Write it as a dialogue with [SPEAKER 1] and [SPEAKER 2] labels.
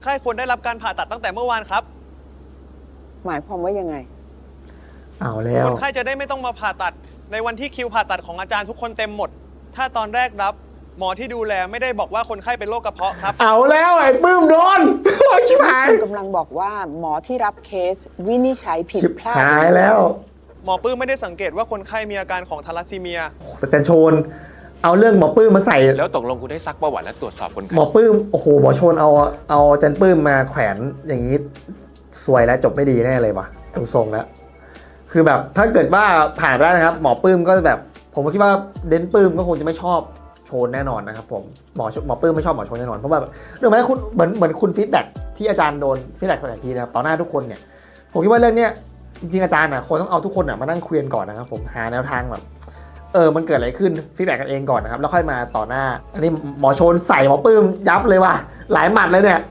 [SPEAKER 1] ไข้ควรได้รับการผ่าตัดตั้งแต่เมื่อวานครับ
[SPEAKER 2] หมายความว่ายังไง
[SPEAKER 3] เอาแล้ว
[SPEAKER 1] คนไข้จะได้ไม่ต้องมาผ่าตัดในวันที่คิวผ่าตัดของอาจารย์ทุกคนเต็มหมดถ้าตอนแรกรับหมอที่ดูแลไม่ได้บอกว่าคนไข้เป็นโรคกระเพาะครับ
[SPEAKER 3] เอาแล้วไอ้ปื้มโดนชิบหาย
[SPEAKER 2] กำลังบอกว่าหมอที่รับเคสวินิจฉัยผิดพลาด
[SPEAKER 3] หายแล้ว
[SPEAKER 1] หมอปื้มไม่ได้สังเกตว่าคนไข้มีอาการของทาลัสซีเมีย
[SPEAKER 3] อาจารย์โชนเอาเรื่องหมอปื้มมาใส่
[SPEAKER 4] แล้วตกลงกูได้ซักประวัติและตรวจสอบคนไข้
[SPEAKER 3] หมอปื้มโอ้โหหมอโชนเอาอาจารย์ปื้มมาแขวนอย่างนี้สวยแล้วจบไม่ดีแน่เลยว่ะดูทรงแล้วคือแบบถ้าเกิดว่าผ่านได้นะครับหมอปื้มก็แบบผมก็คิดว่าเดนปื้มก็คงจะไม่ชอบโชนแน่นอนนะครับผมหมอปื้มไม่ชอบหมอโชนแน่นอนเพราะว่าเรื่องนั้นคุณเหมือนคุณฟีดแบ็กที่อาจารย์โดนฟีดแบ็กสถานทีนะครับต่อหน้าทุกคนเนี่ยผมคิดว่าเรื่องเนี้ยจริงๆอาจารย์ควรต้องเอาทุกคนมานั่งคุยกันก่อนนะครับผมหาแนวทางแบบมันเกิดอะไรขึ้นฟีดแบ็กกันเองก่อนนะครับแล้วค่อยมาต่อหน้าอันนี้หมอโชนใส่หมอปื้มยับเลยว่ะหลายหมัดเลยเนี่ย